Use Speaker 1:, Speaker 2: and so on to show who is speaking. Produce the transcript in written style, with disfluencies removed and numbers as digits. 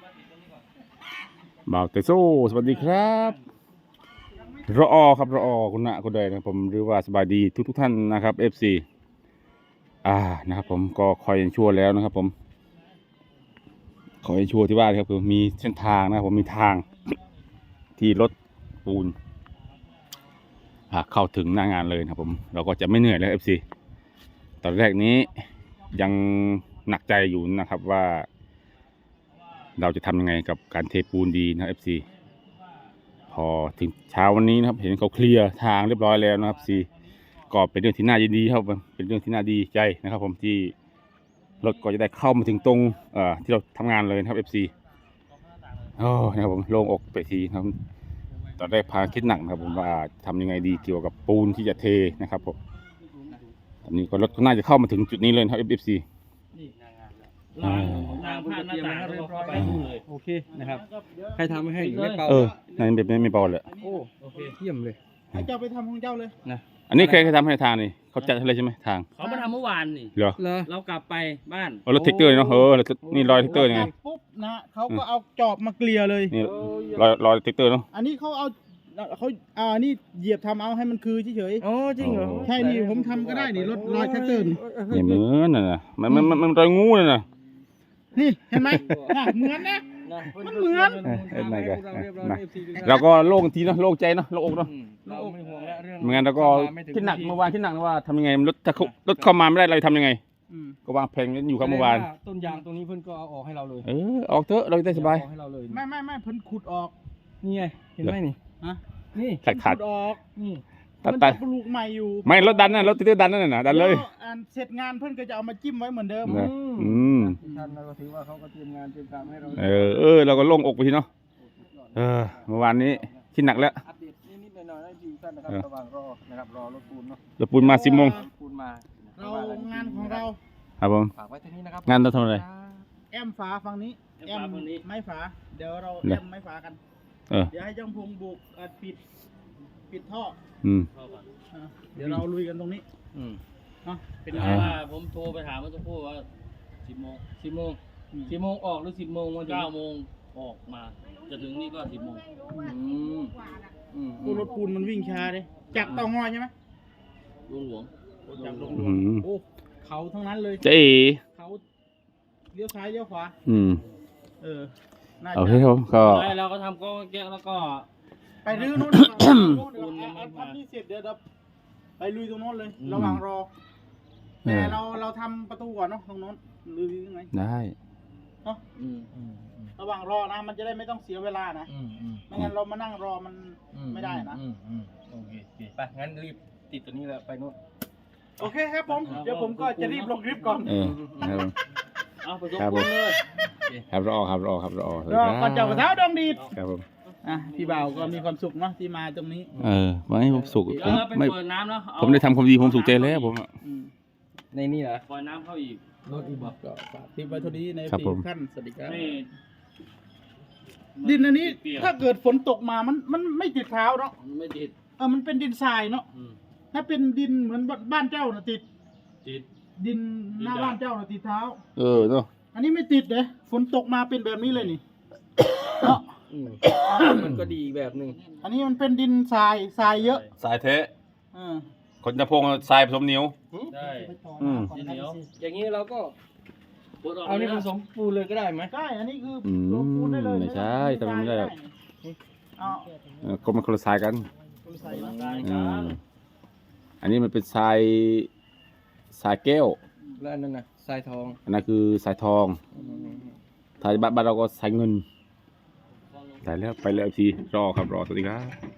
Speaker 1: บ่าวเตโซสวัสดีครับรอครับรอคุณณะคุณใดนะผมหรือว่าสบายดีทุกท่านนะครับ FC นะครับผมก็คอยชั่วแล้วนะครับผมคอยชั่วที่บ้านครับคือมีเส้นทางนะครับผมมีทางที่รถปูนเข้าถึงหน้างานเลยนะครับผมเราก็จะไม่เหนื่อยแล้ว FC ตอนแรกนี้ยังหนักใจอยู่นะครับว่าเราจะทำยังไงกับการเทปูนดีนะ FC พอถึงเช้าวันนี้นะครับเห็นเขาเคลียร์ทางเรียบร้อยแล้วนะครับ FC ก็เป็นเรื่องที่น่ายินดีครับเป็นเรื่องที่น่าดีใจนะครับผมที่รถก็จะได้เข้ามาถึงตรงที่เราทำงานเลยนะครับ FC นะครับผมโล่งอกไปทีนะครับตอนแรกพาคิดหนักนะครับผมว่าทำยังไงดีเกี่ยวกับปูนที่จะเทนะครับผมตอนนี้ก็รถก็น่าจะเข้ามาถึงจุดนี้เลยครับ FC
Speaker 2: ทางผ่านหน้าต่างเรียบร้อยเลยโอเคนะครับใครทำให้ไม่เป่า
Speaker 1: นั่นแบบนี้ไม่เบาเลย
Speaker 2: โอเคเยี่ยมเลย
Speaker 3: ให้เจ้าไปทำของเจ้าเลย
Speaker 1: นะอันนี้ใครทำให้ทางนี่เขาจัดให้เลยใช่ไหมทาง
Speaker 2: เขามาทำเมื่อวานนี่
Speaker 1: เหรอ
Speaker 2: เรากลับไปบ้าน
Speaker 1: รถแท็กเตอร์เนาะนี่รอยแท็กเตอร์ยังไง
Speaker 3: ปุ๊บนะเขาก็เอาจอบมาเกลี่ยเลย
Speaker 1: นี่รอยแท็กเตอร์เนาะ
Speaker 3: อันนี้เขาเอานี่เหยียบทำเอาให้มันคือเฉย
Speaker 2: ๆอ๋อจริงเหรอ
Speaker 3: ใช่นี่ผมทำก็ได้นี่รถรอยแท็กเตอร์
Speaker 1: นี่เหมือนน่ะมันรอยงูน่ะ
Speaker 3: นี่เห็นไหมเหมือนนะมันเหมือน
Speaker 1: ไหนกันเราก็โล่งทีเนาะโล่งใจเนาะโล่งอกเนาะ
Speaker 2: เราไม่ห่วงแล้วเรื่อง
Speaker 1: เหมือนกันเราก็คิดหนักเมื่อวานคิดหนักว่าทำยังไงรถเข้ามาไม่ได้เราทำยังไงก็วางแผนกันอยู่ครับเมื่อวาน
Speaker 2: ต้นยางตรงนี้เพิ่นก็เอาออกให้เราเลย
Speaker 1: ออกเถอะเราจะได้สบาย
Speaker 2: ให้เราเลย
Speaker 3: ไม่เพิ่นขุดออก
Speaker 2: นี่ไงเห็นไหมนี่นี่
Speaker 1: ขาด
Speaker 3: ออกนี่
Speaker 1: ตัด
Speaker 3: ปลูกใหม่อยู่
Speaker 1: ไม่รถดันน่ะรถติ๊กดันนั่นน่ะดันเลย
Speaker 3: เสร็จงานเพิ่นก็จะเอามาจิ้มไว้เหมือนเดิม
Speaker 2: ท่านเราก็ถือว่าเขาก็เตรียมงานเตรียมการให้เรา
Speaker 1: เราก็โล่งอกไปทีเนาะเมื่อวานนี้คิดหนักแล้ว
Speaker 2: อัปเดตนิดๆหน่อยๆให้ดูท่านนะครับระหว่างรอนะครับรอรถปูนเนาะ
Speaker 1: รถปูนมา10 โมง
Speaker 2: ปูนมา
Speaker 3: เรางานของเรา
Speaker 1: ครับผม
Speaker 2: ฝากไว้ที่นี่นะครับ
Speaker 1: งานเราทำอะไร
Speaker 3: แอมฝาฝั่งนี้แอมไม้ฝาเดี๋ยวเราแอมไม้ฝากันเดี๋ยวให้จ้องพงบุกปิดท่อเดี๋ยวเราลุยกันตรงนี้
Speaker 2: เป็นไงว่าผมโทรไปถามเมื่อสักครู่ว่า10 โมงออกหรือ10 โมงวัน9 โมงออกมาจะถึงนี่ก็10 โมง
Speaker 3: รถปูนมันวิ่งช้าเลยจากเตางอยใช่ไหม
Speaker 2: หลวง
Speaker 3: จากหลวงโอ้เขาทั้งนั้นเลยเขาเลี้ยวซ้ายเลี้ยวขวา
Speaker 1: โอเคครับก็
Speaker 2: เราก็ทำก็แก้แล้วก็
Speaker 3: ไปรื้อนู้นอันนี้เสร็จเดี๋ยวไปลุยตรงโน้นเลยระหว่างรอแต่เราทำประตูก่อนเนาะตรงโน้นหรือยังไง
Speaker 1: ได้
Speaker 3: เนาะระหว่างรอนะมันจะได้ไม่ต้องเสียเวลานะไม่งั้นเรามานั่งรอมันไม่ได้นะ
Speaker 2: โอเคไปงั้นรีบติดตัวนี้แล้วไปโน้น
Speaker 3: โอเคครับผมเดี๋ยวผมก็จะรีบลงคลิปก่อน
Speaker 2: เอาไปส่งคนเลย
Speaker 1: ครับรอ
Speaker 3: ก่อนจะกระเท้าดองดีด
Speaker 1: ครับผม
Speaker 3: พี่บ่าวก็มีความสุขเนาะที่มาตรงนี้
Speaker 1: ไม่ให้ผมสุข
Speaker 2: ไม่เปิดน้ำเนาะ
Speaker 1: ผมได้ทำความดีผมสุขใจแล้วผม
Speaker 2: ในนี่เหรอปล่อยน้ำเข้าอีกรถอีบอก
Speaker 3: ก็ฝากที่ไว้เท่านี้ในปีขั้นสวัสดีครับดินอันนี้ถ้าเกิดฝนตกมามันไม่ติดเท้าเนาะ
Speaker 2: ไม่ติด
Speaker 3: มันเป็นดินทรายเนาะถ้าเป็นดินเหมือนบ้านเจ้านะติดดินหน้าบ้านเจ้านะติดเท้า
Speaker 1: เนาะ
Speaker 3: อันนี้ไม่ติดเลยฝนตกมาเป็นแบบนี้เลยนี่เนาะ
Speaker 2: มันก็ดีแบบหนึ่ง
Speaker 3: อันนี้มันเป็นดินทรายเยอะ
Speaker 1: ทรายเทะคนจะพงทรายผสมเหนียว
Speaker 2: ใช่เหนียวอย่างนี้เราก็เอานี่ผสมปูนเลยก็ได้ไหม
Speaker 3: ใช่อันนี้คือลงปูนได้เลย
Speaker 1: ไม่ใช่ทำไม่ได้ก็มันคนละทรายกันอันนี้มันเป็นทรายแก้ว
Speaker 2: แล้วอันนั้นน่ะทรายทอง
Speaker 1: อันนั้นคือทรายทองทรายบ้านเราก็ทรายเงินแต่แล้วไปเลยทีรอครับรอสวัสดีครับ